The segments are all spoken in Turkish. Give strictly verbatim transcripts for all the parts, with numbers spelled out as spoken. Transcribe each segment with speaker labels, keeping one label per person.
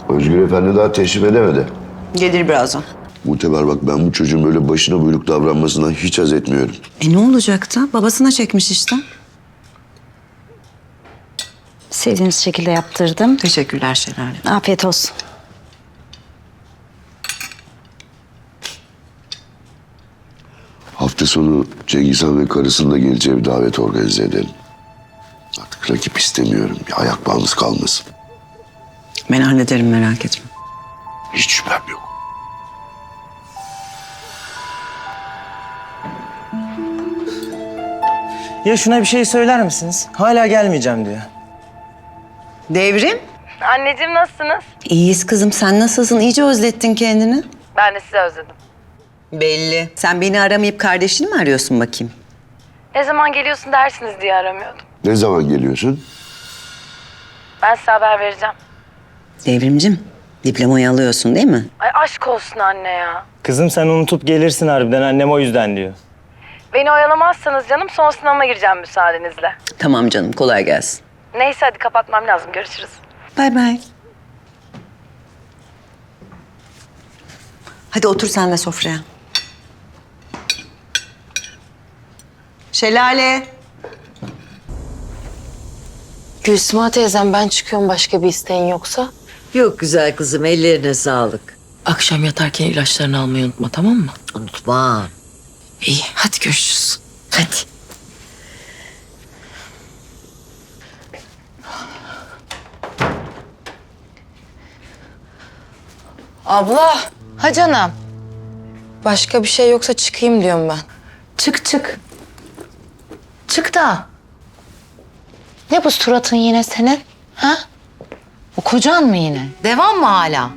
Speaker 1: Özgür Efendi daha teşrif edemedi.
Speaker 2: Gelir birazdan.
Speaker 1: Muteber bak, ben bu çocuğun böyle başına buyruk davranmasından hiç haz etmiyorum.
Speaker 2: E ne olacaktı? Babasına çekmiş işte.
Speaker 3: Sevdiğiniz şekilde yaptırdım.
Speaker 2: Teşekkürler Şelale.
Speaker 3: Afiyet olsun.
Speaker 1: Hafta sonu Cengiz Han ve karısının da geleceği bir davet organize edelim. Artık rakip istemiyorum. Bir ayak bağımız kalmasın.
Speaker 2: Ben hallederim, merak etme.
Speaker 1: Hiç şüphem yok.
Speaker 4: Ya şuna bir şey söyler misiniz? Hala gelmeyeceğim diyor.
Speaker 2: Devrim.
Speaker 5: Anneciğim nasılsınız?
Speaker 2: İyiyiz kızım. Sen nasılsın? İyice özlettin kendini.
Speaker 5: Ben de sizi özledim.
Speaker 2: Belli. Sen beni aramayıp kardeşini mi arıyorsun bakayım?
Speaker 5: Ne zaman geliyorsun dersiniz diye aramıyordum.
Speaker 1: Ne zaman geliyorsun?
Speaker 5: Ben size haber vereceğim.
Speaker 2: Devrimcim, diplomayı alıyorsun değil mi?
Speaker 5: Ay aşk olsun anne ya.
Speaker 4: Kızım sen unutup gelirsin harbiden, annem o yüzden diyor.
Speaker 5: Beni oyalamazsanız canım son sınavıma gireceğim müsaadenizle.
Speaker 2: Tamam canım, kolay gelsin.
Speaker 5: Neyse hadi kapatmam lazım, görüşürüz.
Speaker 2: Bay bay. Hadi otur sen de sofraya. Şelale.
Speaker 6: Gülsüma teyzem, ben çıkıyorum, başka bir isteğin yoksa.
Speaker 7: Yok güzel kızım, ellerine sağlık.
Speaker 6: Akşam yatarken ilaçlarını almayı unutma, tamam mı?
Speaker 7: Unutma.
Speaker 6: İyi, hadi görüşürüz. Hadi. Abla, ha canım. Başka bir şey yoksa çıkayım diyorum ben.
Speaker 8: Çık çık. Çık da. Ne bu suratın yine senin? Ha? Bu kocan mı yine? Devam mı hala?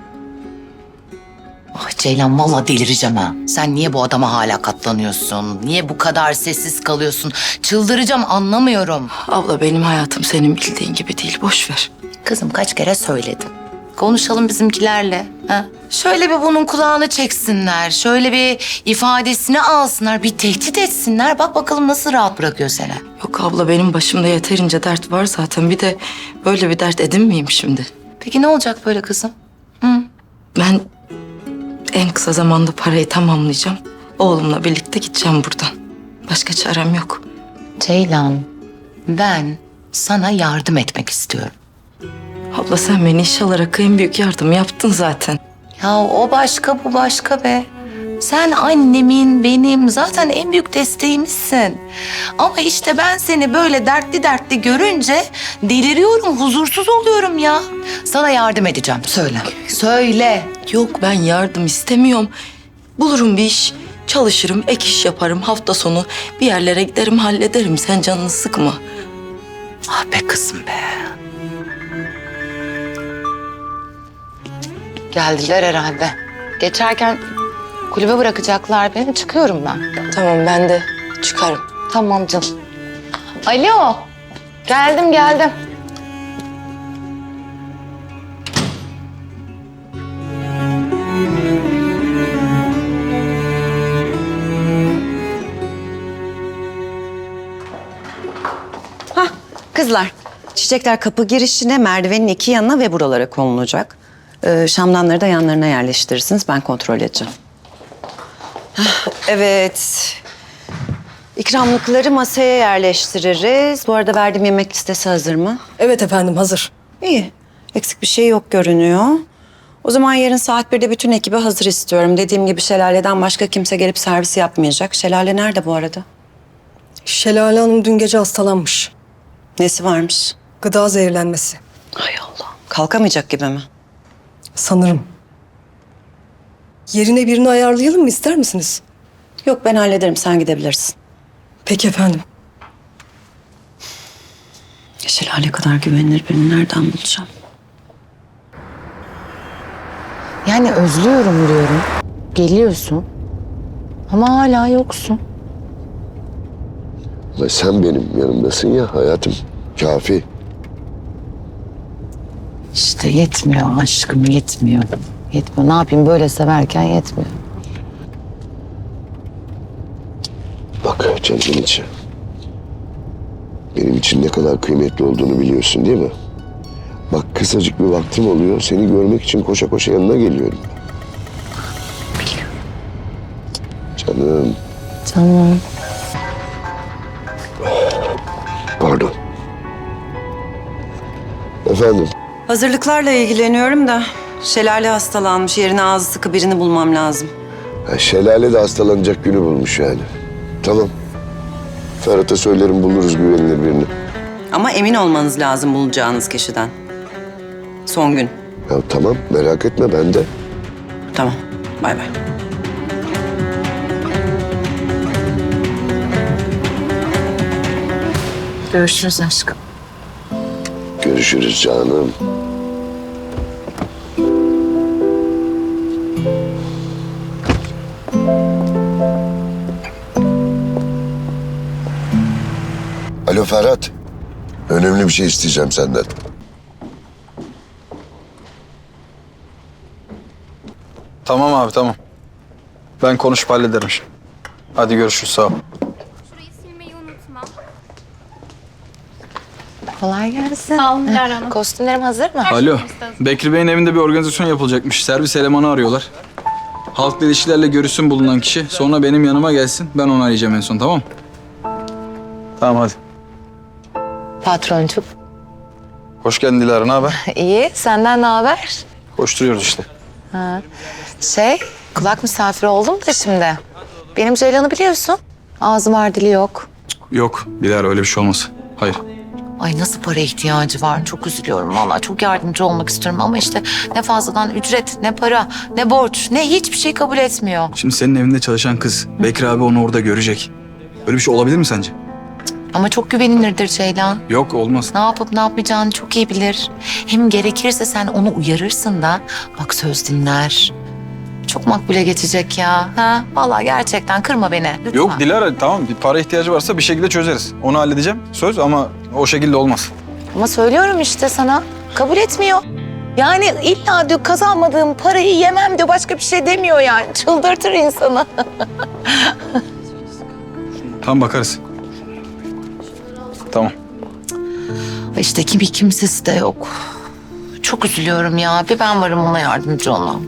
Speaker 8: Ah Ceylan, vallahi delireceğim ha. Sen niye bu adama hala katlanıyorsun? Niye bu kadar sessiz kalıyorsun? Çıldıracağım, anlamıyorum.
Speaker 6: Abla benim hayatım senin bildiğin gibi değil, boş ver.
Speaker 8: Kızım kaç kere söyledim. Konuşalım bizimkilerle. Ha? Şöyle bir bunun kulağını çeksinler. Şöyle bir ifadesini alsınlar. Bir tehdit etsinler. Bak bakalım nasıl rahat bırakıyor seni.
Speaker 6: Yok abla, benim başımda yeterince dert var zaten. Bir de böyle bir dert edinmeyeyim şimdi.
Speaker 8: Peki ne olacak böyle kızım? Hı?
Speaker 6: Ben en kısa zamanda parayı tamamlayacağım. Oğlumla birlikte gideceğim buradan. Başka çarem yok.
Speaker 8: Ceylan, ben sana yardım etmek istiyorum.
Speaker 6: Abla sen beni iş alarak en büyük yardım yaptın zaten.
Speaker 8: Ya o başka, bu başka be. Sen annemin, benim zaten en büyük desteğimizsin. Ama işte ben seni böyle dertli dertli görünce deliriyorum, huzursuz oluyorum ya. Sana yardım edeceğim, söyle. Söyle.
Speaker 6: Yok, ben yardım istemiyorum. Bulurum bir iş, çalışırım, ek iş yaparım. Hafta sonu bir yerlere giderim, hallederim. Sen canını sıkma.
Speaker 8: Ah be kızım be. Geldiler herhalde. Geçerken kulübe bırakacaklar beni. Çıkıyorum ben.
Speaker 6: Tamam, ben de çıkarım.
Speaker 8: Tamam canım. Alo. Geldim geldim.
Speaker 2: Hah kızlar. Çiçekler kapı girişine, merdivenin iki yanına ve buralara konulacak. Ee, şamdanları da yanlarına yerleştirirsiniz. Ben kontrol edeceğim. Hah, evet. İkramlıkları masaya yerleştiririz. Bu arada verdiğim yemek listesi hazır mı?
Speaker 9: Evet efendim, hazır.
Speaker 2: İyi. Eksik bir şey yok görünüyor. O zaman yarın saat birde bütün ekibi hazır istiyorum. Dediğim gibi Şelale'den başka kimse gelip servis yapmayacak. Şelale nerede bu arada?
Speaker 9: Şelale Hanım dün gece hastalanmış.
Speaker 2: Nesi varmış?
Speaker 9: Gıda zehirlenmesi.
Speaker 2: Hay Allah. Kalkamayacak gibi mi?
Speaker 9: Sanırım. Yerine birini ayarlayalım mı, ister misiniz?
Speaker 2: Yok, ben hallederim. Sen gidebilirsin.
Speaker 9: Peki efendim.
Speaker 2: Şelale kadar güvenilir birini nereden bulacağım?
Speaker 8: Yani özlüyorum diyorum. Geliyorsun. Ama hala yoksun.
Speaker 1: Ama sen benim yanımdasın ya hayatım. Kafi.
Speaker 8: İşte yetmiyor aşkım, yetmiyor. Yetmiyor. Ne yapayım, böyle severken yetmiyor.
Speaker 1: Bak canımın içi. Benim için ne kadar kıymetli olduğunu biliyorsun değil mi? Bak kısacık bir vaktim oluyor. Seni görmek için koşa koşa yanına geliyorum. Canım.
Speaker 3: Canım.
Speaker 1: Pardon. Efendim.
Speaker 2: Hazırlıklarla ilgileniyorum da Şelale hastalanmış. Yerine ağzı sıkı birini bulmam lazım.
Speaker 1: Ha, Şelale de hastalanacak günü bulmuş yani. Tamam. Ferhat'a söylerim buluruz güvenilir birini.
Speaker 2: Ama emin olmanız lazım bulacağınız kişiden. Son gün.
Speaker 1: Ya tamam merak etme ben de.
Speaker 2: Tamam. Bay bay.
Speaker 8: Görüşürüz aşkım.
Speaker 1: Görüşürüz canım. Alo Ferhat. Önemli bir şey isteyeceğim senden.
Speaker 10: Tamam abi tamam. Ben konuşup hallederim şimdi. Hadi görüşürüz sağ ol.
Speaker 11: Şurayı silmeyi unutma.
Speaker 8: Kolay gelsin.
Speaker 11: Sağ olun Dilara Hanım.
Speaker 8: Kostümlerim hazır mı?
Speaker 10: Alo. Bekri Bey'in evinde bir organizasyon yapılacakmış. Servis elemanı arıyorlar. Halkla ilişkilerle görüşsün bulunan kişi. Sonra benim yanıma gelsin. Ben onu arayacağım en son tamam mı? Tamam hadi.
Speaker 8: Patroncuk.
Speaker 10: Hoş geldin Dilara, ne haber?
Speaker 8: İyi. Senden ne haber?
Speaker 10: Koşturuyoruz işte.
Speaker 8: Şey, kulak misafiri oldum da şimdi. Benim Ceylan'ı biliyorsun. Ağzı var, dili yok.
Speaker 10: Yok Dilara öyle bir şey olmaz. Hayır.
Speaker 8: Ay nasıl para ihtiyacı var? Çok üzülüyorum vallahi. Çok yardımcı olmak istiyorum ama işte ne fazladan ücret, ne para, ne borç, ne hiçbir şey kabul etmiyor.
Speaker 10: Şimdi senin evinde çalışan kız. Bekri abi onu orada görecek. Öyle bir şey olabilir mi sence?
Speaker 8: Ama çok güvenilirdir Ceylan.
Speaker 10: Yok olmaz.
Speaker 8: Ne yapıp ne yapacağını çok iyi bilir. Hem gerekirse sen onu uyarırsın da bak söz dinler. Çok makbule geçecek ya. Ha? Vallahi gerçekten kırma beni. Lütfen.
Speaker 10: Yok Dilara tamam bir para ihtiyacı varsa bir şekilde çözeriz. Onu halledeceğim söz ama o şekilde olmaz.
Speaker 8: Ama söylüyorum işte sana. Kabul etmiyor. Yani illa diyor kazanmadığım parayı yemem diyor. Başka bir şey demiyor yani. Çıldırtır insanı.
Speaker 10: Tamam bakarız. Tamam.
Speaker 8: İşte kimi kimsesi de yok. Çok üzülüyorum ya. Bir ben varım ona yardımcı olmam.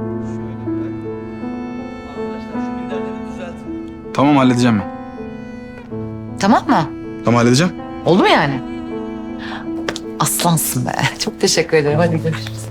Speaker 10: Tamam halledeceğim ben.
Speaker 8: Tamam mı?
Speaker 10: Tamam halledeceğim.
Speaker 8: Oldu mu yani? Aslansın be. Çok teşekkür ederim. Hadi görüşürüz.